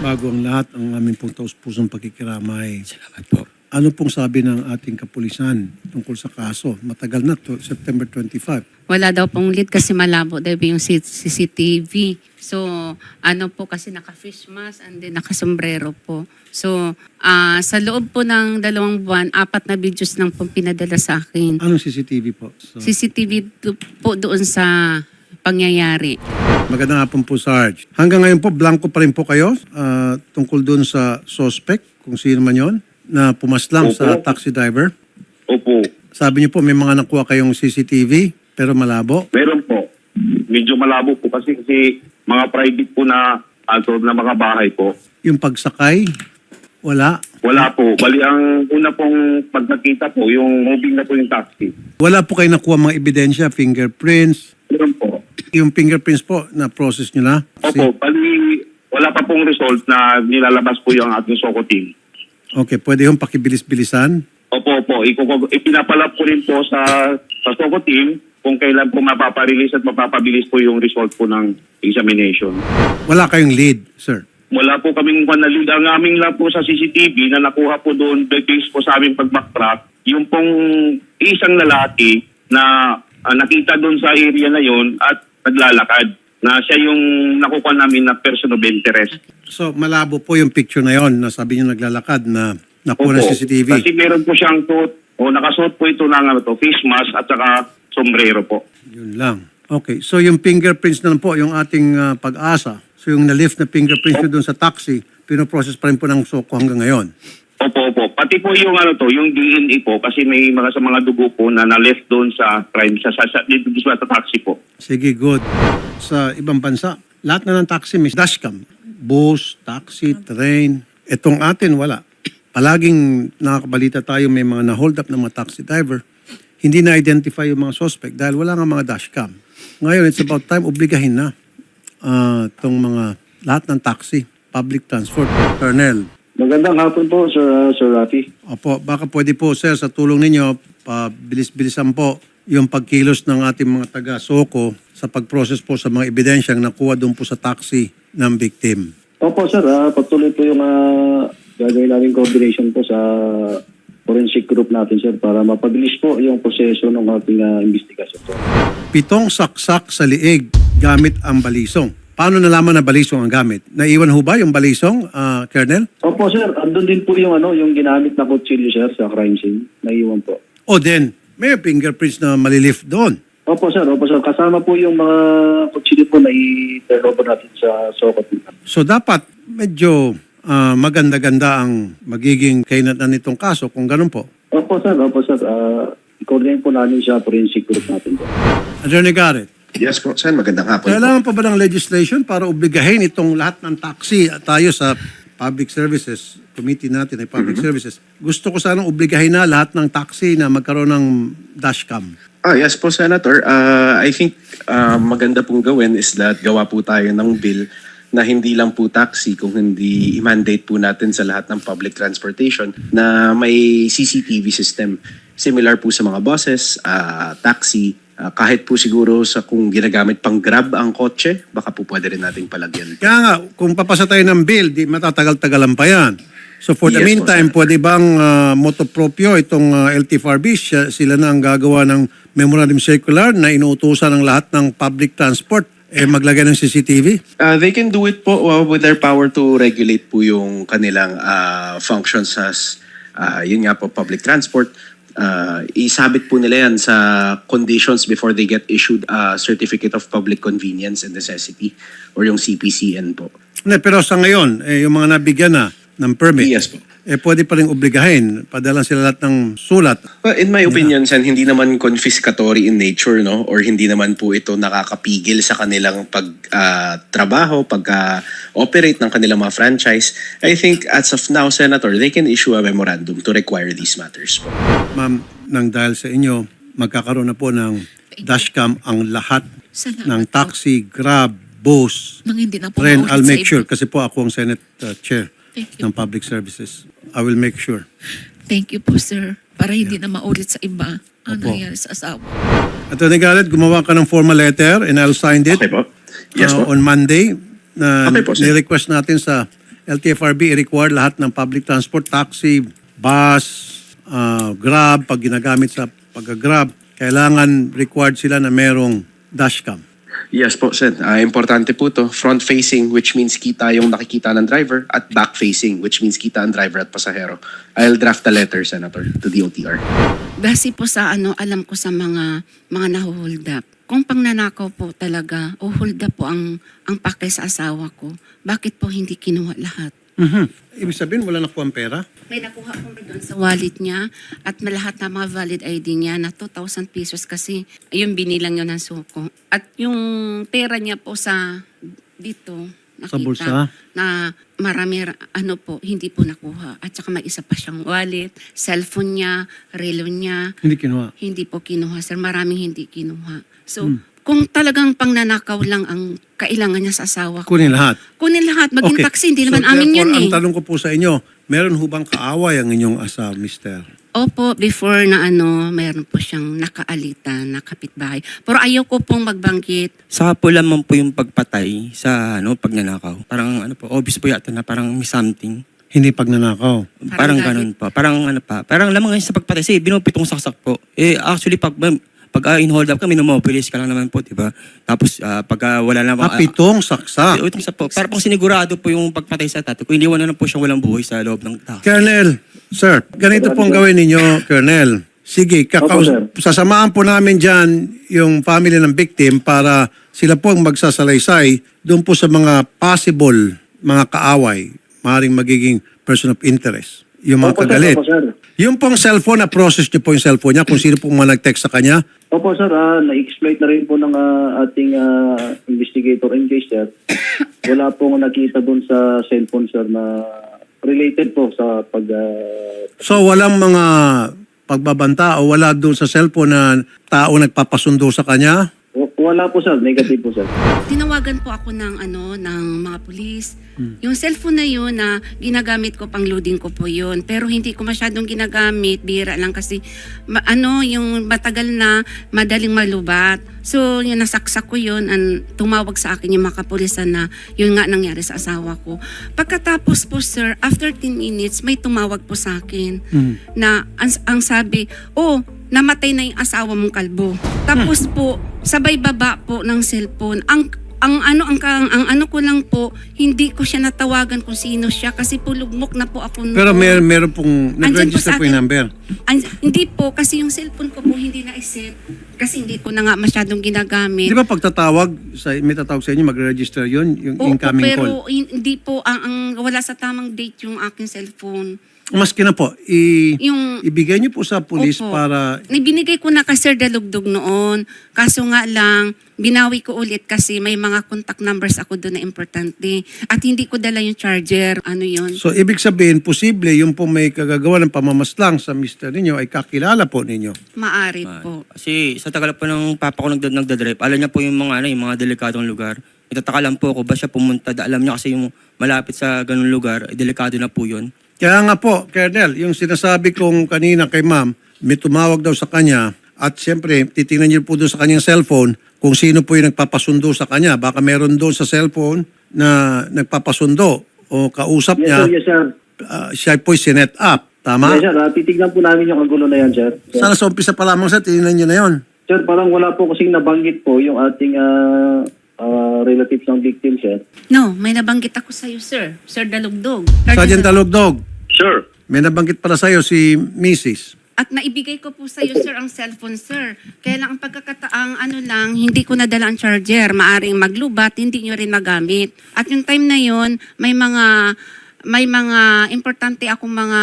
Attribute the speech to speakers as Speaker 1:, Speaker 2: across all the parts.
Speaker 1: Bago ang lahat, ang aming pong taus-pusong pakikiramay.
Speaker 2: Salamat po.
Speaker 1: Ano pong sabi ng ating kapulisan tungkol sa kaso? Matagal na to, September 25.
Speaker 3: Wala daw pong lead kasi malabo daw yung CCTV. So, ano po kasi naka-fish mask and then naka-sombrero po. So, sa loob po ng 2 buwan, 4 na videos lang po pinadala sa akin.
Speaker 1: Anong CCTV po? So,
Speaker 3: CCTV po doon sa pangyayari.
Speaker 1: magandang hapon po, Sarge. Hanggang ngayon po, blanco pa rin po kayo tungkol doon sa suspect, kung sino man yon, na pumaslang sa taxi driver.
Speaker 4: Opo.
Speaker 1: Sabi niyo po, may mga nakuha kayong CCTV, pero malabo.
Speaker 4: Meron po. Medyo malabo po kasi mga private po na na mga bahay po.
Speaker 1: Yung pagsakay, wala.
Speaker 4: Wala po. Bali, ang una pong pagkakita po, yung moving na po yung taxi.
Speaker 1: Wala po kayo nakuha mga ebidensya, fingerprints.
Speaker 4: Meron po.
Speaker 1: Yung fingerprints po, na-process nyo na?
Speaker 4: Opo. Bali, wala pa pong result na nilalabas po yung ating SOCO team.
Speaker 1: Okay, pwede yung pakibilis-bilisan?
Speaker 4: Opo. Ipinapalap ko rin po sa SOCO team kung kailan po mapaparelease at mapapabilis po yung result po ng examination.
Speaker 1: Wala kayong lead, sir?
Speaker 4: Wala po kaming panalid. Ang aming lang po sa CCTV na nakuha po doon based po sa aming pag-backtrack, yung pong isang lalaki na nakita doon sa area na yon at naglalakad na siya yung nakuha namin na person of interest.
Speaker 1: So, malabo po yung picture na yon na sabi niyo naglalakad na nakuha ng
Speaker 4: Opo.
Speaker 1: CCTV.
Speaker 4: Kasi meron po siyang nakasuot po ito ng face mask at saka sombrero po.
Speaker 1: Yun lang. Okay, so yung fingerprints na lang po, yung ating pag-asa. So yung na-lift na fingerprints nyo doon sa taxi, pinoprocess pa rin po ng SOCO hanggang ngayon.
Speaker 4: Opo. Pati po yung yung DNA po kasi may mga dugo po na na-left doon sa crime sa taxi po.
Speaker 1: Sige, good. Sa ibang bansa, lahat na ng taxi may dashcam. Bus, taxi, train. Itong atin, wala. Palaging nakakabalita tayo may mga na-hold up ng mga taxi driver. Hindi na-identify yung mga suspect dahil wala nga mga dashcam. Ngayon, it's about time, obligahin na itong mga lahat ng taxi, public transport. Colonel.
Speaker 5: Magandang hapon po, Sir Rafi.
Speaker 1: Opo, baka pwede po, sir, sa tulong ninyo, pabilis-bilisan po yung pagkilos ng ating mga taga-SOCO sa pag-process po sa mga ebidensyang nakuha doon po sa taxi ng victim.
Speaker 5: Opo, sir. Patuloy po yung gagawin namin coordination po sa forensic group natin, sir, para mapabilis po yung proseso ng ating investigasyon, sir.
Speaker 1: 7 saksak sa liig gamit ang balisong. Paano nalaman na balisong ang gamit? Naiwan ho ba yung balisong, Colonel?
Speaker 5: Opo, sir. Andun din po yung yung ginamit na kutsilyo, sir, sa crime scene. Naiwan po.
Speaker 1: O then, may fingerprints na malilift doon.
Speaker 5: Opo, sir. Kasama po yung mga kutsilyo po na i-turn over natin sa SOCO.
Speaker 1: So dapat medyo maganda-ganda ang magiging kainatan nitong kaso kung ganun po.
Speaker 5: Opo, sir. I-coordinate po namin sa forensic group natin po.
Speaker 1: Attorney Garrett,
Speaker 2: Yes po, Sen. Magandang hapon po.
Speaker 1: kailangan pa ba ng legislation para obligahin itong lahat ng taxi tayo sa public services, committee natin ay public services. Gusto ko sanang obligahin na lahat ng taxi na magkaroon ng dashcam.
Speaker 2: Yes po, Senator. I think maganda pong gawin is that gawa po tayo ng bill na hindi lang po taxi kung hindi i-mandate po natin sa lahat ng public transportation na may CCTV system. Similar po sa mga buses, taxi, kahit po siguro sa kung ginagamit pang Grab ang kotse, baka po pwede rin nating palagyan.
Speaker 1: Kaya nga, kung papasa tayo ng bill, di matatagal-tagalan pa yan. So for the
Speaker 2: Yes po,
Speaker 1: meantime,
Speaker 2: sir.
Speaker 1: pwede bang motopropyo itong LTFRB, sila na ang gagawa ng memorandum circular na inuutusan ng lahat ng public transport maglagay ng CCTV?
Speaker 2: They can do it po with their power to regulate po yung kanilang functions as yun nga po, public transport. Isabit po nila yan sa conditions before they get issued a Certificate of Public Convenience and Necessity or yung CPCN po.
Speaker 1: Pero sa ngayon, yung mga nabigyan na ng permit,
Speaker 2: Yes po.
Speaker 1: pwede pa rin obligahin. Padalan sila lahat ng sulat.
Speaker 2: Well, in my opinion, Sen, hindi naman confiscatory in nature, no? Or hindi naman po ito nakakapigil sa kanilang pagtrabaho, pag-operate ng kanilang mga franchise. I think as of now, Senator, they can issue a memorandum to require these matters po.
Speaker 1: Ma'am, nang dahil sa inyo, magkakaroon na po ng dashcam ang lahat
Speaker 6: Salamat
Speaker 1: ng
Speaker 6: po.
Speaker 1: taxi, Grab, bus,
Speaker 6: Nang hindi na po
Speaker 1: Ren,
Speaker 6: maulit
Speaker 1: I'll
Speaker 6: sa
Speaker 1: make
Speaker 6: iba.
Speaker 1: sure kasi po ako ang Senate Chair
Speaker 6: Thank you.
Speaker 1: ng Public Services. I will make sure.
Speaker 6: Thank you po, sir. Para hindi na maulit sa iba ang
Speaker 1: Opo.
Speaker 6: nangyari sa asawa.
Speaker 1: Attorney Garrett, gumawa ka ng formal letter and I'll sign it
Speaker 2: Okay po. Yes po.
Speaker 1: on Monday na
Speaker 2: Okay po, sir.
Speaker 1: ni-request natin sa LTFRB i-require lahat ng public transport, taxi, bus, Grab, pag ginagamit sa pag-grab, kailangan required sila na merong dashcam.
Speaker 2: Yes po, Sen. Importante po to. Front-facing, which means kita yung nakikita ng driver, at back-facing, which means kita ang driver at pasahero. I'll draft a letter, Senator, to the OTR.
Speaker 3: Base po sa alam ko sa mga nahuhold up. Kung pangnanakaw po talaga o hold up po ang pakay sa asawa ko, bakit po hindi kinuha lahat?
Speaker 1: Ibig sabihin, wala nakuha ang pera?
Speaker 3: May nakuha po doon sa wallet niya at lahat ng mga valid ID niya na 2,000 pesos kasi yung binilang yun ng suko. At yung pera niya po sa dito, nakita
Speaker 1: Sa bulsa?
Speaker 3: na marami po, hindi po nakuha. At saka may isa pa siyang wallet, cellphone niya, relo niya.
Speaker 1: Hindi kinuha.
Speaker 3: Hindi po kinuha, sir. Maraming hindi kinuha. So, kung talagang pangnanakaw lang ang kailangan niya sa asawa ko,
Speaker 1: Kunin lahat.
Speaker 3: kunin lahat, maging
Speaker 1: Okay.
Speaker 3: taxi, hindi naman
Speaker 1: So,
Speaker 3: amin yun
Speaker 1: therefore,
Speaker 3: eh.
Speaker 1: ang tanong ko po sa inyo, meron hubang kaaway ang inyong asawa, mister?
Speaker 3: Opo, before na mayroon po siyang nakaalitan, na kapitbahay. Pero ayaw ko pong magbanggit.
Speaker 7: Saka po lamang po yung pagpatay sa pagnanakaw. Parang obvious po yata na parang may something.
Speaker 1: Hindi pagnanakaw.
Speaker 7: Parang
Speaker 3: galit.
Speaker 7: ganun po. Parang lamang ngayon sa pagpatay. Kasi binupitong saksak po. Actually, pag in-hold up ka, minomobilis ka lang naman po, di ba? Tapos, pag wala namang...
Speaker 1: Pitong saksak.
Speaker 7: Itong sa po. Para pong sinigurado po yung pagpatay sa tatay. Kung hindi wala na po siyang walang buhay sa loob ng tao.
Speaker 1: Colonel, sir, ganito pong gawin ninyo, Colonel. Sige,
Speaker 5: Opo, sir.
Speaker 1: sasamahan po namin dyan yung family ng victim para sila po ang magsasalaysay doon po sa mga possible mga kaaway, maaaring magiging person of interest. Yung mga
Speaker 5: Opo, sir.
Speaker 1: kagalit.
Speaker 5: Opo, sir.
Speaker 1: Yung pong cellphone, na-process niyo po yung cellphone niya kung sino pong mga nag-text sa kanya.
Speaker 5: Opo, sir. Na-exploit na rin po ng ating investigator in case, sir. Wala pong nakita doon sa cellphone, sir, na related po sa pag...
Speaker 1: So walang mga pagbabanta o wala doon sa cellphone na tao nagpapasundo sa kanya?
Speaker 5: Wala po, sir. Negative po, sir.
Speaker 3: Tinawagan po ako ng ng mga pulis. Yung cellphone na yun na ginagamit ko pang loading ko po yun. Pero hindi ko masyadong ginagamit, bira lang kasi yung matagal na madaling malubat. So yung nasaksak ko yun, tumawag sa akin yung mga kapulisan na yun nga nangyari sa asawa ko. Pagkatapos po, sir, after 10 minutes, may tumawag po sa akin na ang sabi, namatay na yung asawa mong kalbo. Tapos po, sabay baba po ng cellphone. Ang ano ko lang po, hindi ko siya natawagan kung sino siya kasi po lugmok na po ako noon.
Speaker 1: Pero meron pong
Speaker 3: Andyan
Speaker 1: nag-register po
Speaker 3: sa
Speaker 1: yung
Speaker 3: akin.
Speaker 1: number.
Speaker 3: Hindi po, kasi yung cellphone ko po hindi na-set. Kasi hindi ko na nga masyadong ginagamit.
Speaker 1: Di ba pag may tatawag sa inyo, mag-register yun, yung
Speaker 3: Oo,
Speaker 1: incoming
Speaker 3: pero
Speaker 1: call?
Speaker 3: hindi po, wala sa tamang date yung aking cellphone.
Speaker 1: Maski na po,
Speaker 3: Yung
Speaker 1: ibigay niyo po sa police
Speaker 3: Opo.
Speaker 1: para...
Speaker 3: Binigay ko na kay Sir Dalugdog noon. Kaso nga lang, binawi ko ulit kasi may mga contact numbers ako doon na importante. At hindi ko dala yung charger. Ano yun?
Speaker 1: So, ibig sabihin, posible yung po may kagagawa ng pamamaslang sa mister ninyo ay kakilala po ninyo.
Speaker 3: Maaari po.
Speaker 7: Kasi sa tagal po ng papa ko nagdadrive, alam niya po yung mga delikadong lugar. Itataka lang po ako ba siya pumunta. Alam niya kasi yung malapit sa ganung lugar, delikado na po yun.
Speaker 1: Kaya nga po, Colonel, yung sinasabi kong kanina kay ma'am, may tumawag daw sa kanya at siyempre, titingnan niyo po doon sa kanyang cellphone kung sino po yung nagpapasundo sa kanya. Baka meron doon sa cellphone na nagpapasundo o kausap niya,
Speaker 5: Yes, sir.
Speaker 1: siya po'y sinet up. Tama?
Speaker 5: Yes, sir. Titignan po namin yung kagulo na yan, sir.
Speaker 1: Sana sa umpisa pa lamang sa tingnan niyo na yon.
Speaker 5: Sir, parang wala po kasing nabanggit po yung ating relatives ng victim, sir.
Speaker 3: No, may nabanggit ako sa'yo, sir. Sir Dalugdog.
Speaker 1: Sergeant Talugdog,
Speaker 4: Sure.
Speaker 1: may nabanggit pala sa'yo si Mrs.
Speaker 3: At naibigay ko po sa'yo, sir, ang cellphone, sir. Kaya lang ang pagkakataang hindi ko nadala ang charger. Maaring maglubat, hindi nyo rin magamit. At yung time na yon may mga importante akong mga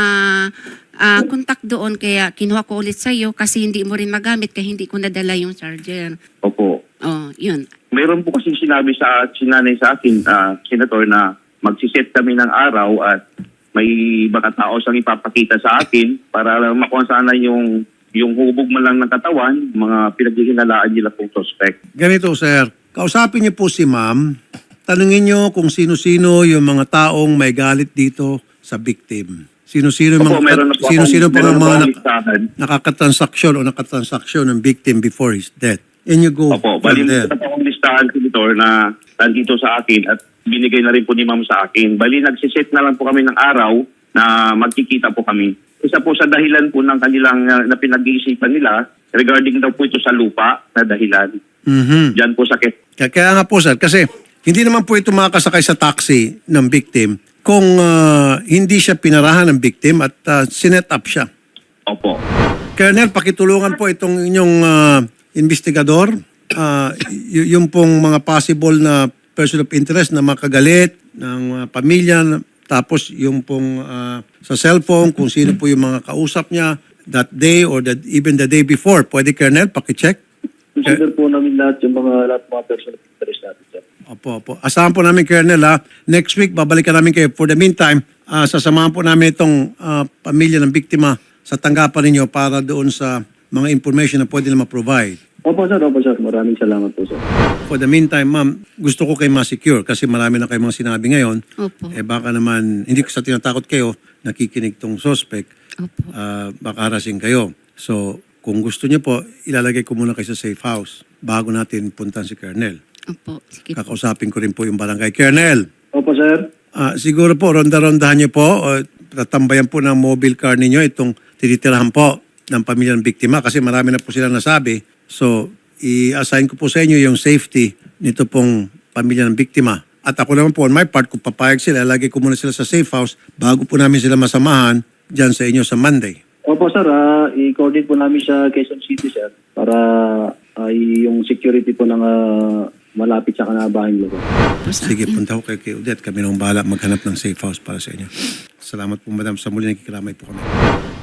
Speaker 3: contact doon. Kaya kinuha ko ulit sa'yo kasi hindi mo rin magamit kaya hindi ko nadala yung charger.
Speaker 4: Opo.
Speaker 3: Yun.
Speaker 4: Mayroon po kasi sinanay sa akin, Senator, na magsiset kami ng araw at may mga tao siyang ipapakita sa akin para makuha sana yung hubog man lang ng katawan, mga pinaghihinalaan nila pong suspect.
Speaker 1: Ganito, sir. Kausapin niyo po si ma'am. Tanungin niyo kung sino-sino yung mga taong may galit dito sa victim. Sino-sino yung
Speaker 4: Opo, meron na po
Speaker 1: sino-sino po ang
Speaker 4: meron na po
Speaker 1: mga
Speaker 4: akong listahan.
Speaker 1: nakakatransaksyon o nakatransaksyon ng victim before his death. And you go
Speaker 4: Opo,
Speaker 1: from
Speaker 4: bali
Speaker 1: there.
Speaker 4: na po akong listahan, Senator, na nandito sa akin at binigay na rin po ni ma'am sa akin. Bali, nagsiset na lang po kami ng araw na magkikita po kami. Isa po sa dahilan po ng kanilang na pinag-iisipan nila regarding daw po ito sa lupa na dahilan. Diyan po sakit.
Speaker 1: Kaya nga po sir, kasi hindi naman po ito makakasakay sa taxi ng victim kung hindi siya pinarahan ng victim at sinet up siya.
Speaker 4: Opo.
Speaker 1: Colonel, pakitulungan po itong inyong investigador. Yung pong mga possible na person of interest na makagalit ng pamilya. Tapos yung pong sa cellphone, kung sino po yung mga kausap niya that day or even the day before. Pwede, Colonel, pakicheck?
Speaker 5: Consider po namin lahat mga person of interest natin, sir.
Speaker 1: Opo. Asahan po namin, Colonel, next week, babalikan namin kayo. For the meantime, sasamahan po namin itong pamilya ng biktima sa tanggapan ninyo para doon sa mga information na pwede na ma-provide.
Speaker 5: Opo, sir. Maraming salamat po, sir.
Speaker 1: For the meantime, ma'am, gusto ko kayo ma-secure kasi marami na kayo mga sinabi ngayon.
Speaker 3: Opo.
Speaker 1: Baka naman, hindi ko sa tinatakot kayo, nakikinig tong suspect,
Speaker 3: Opo.
Speaker 1: baka harassing kayo. So, kung gusto niyo po, ilalagay ko muna kayo sa safe house bago natin puntan si Colonel.
Speaker 3: Opo. Sige po.
Speaker 1: Kakausapin ko rin po yung barangay. Colonel,
Speaker 5: Opo, sir.
Speaker 1: siguro po, ronda-rondahan niyo po, tatambayan po ng mobile car ninyo itong tinitirahan po ng pamilya ng biktima kasi marami na po sila nasabi. So, i-assign ko po sa inyo yung safety nito pong pamilya ng biktima. At ako naman po, on my part, kung papayag sila, lagay ko muna sila sa safe house bago po namin sila masamahan dyan sa inyo sa Monday.
Speaker 5: Opo, sir. I-coordinate po namin sa Quezon City, sir, para yung security po ng malapit sa kanabahan lugar.
Speaker 1: Sige, punta ko kay Odette. Kami nang bahala maghanap ng safe house para sa inyo. Salamat po, madam. Sa muli, nakikiramay po kami.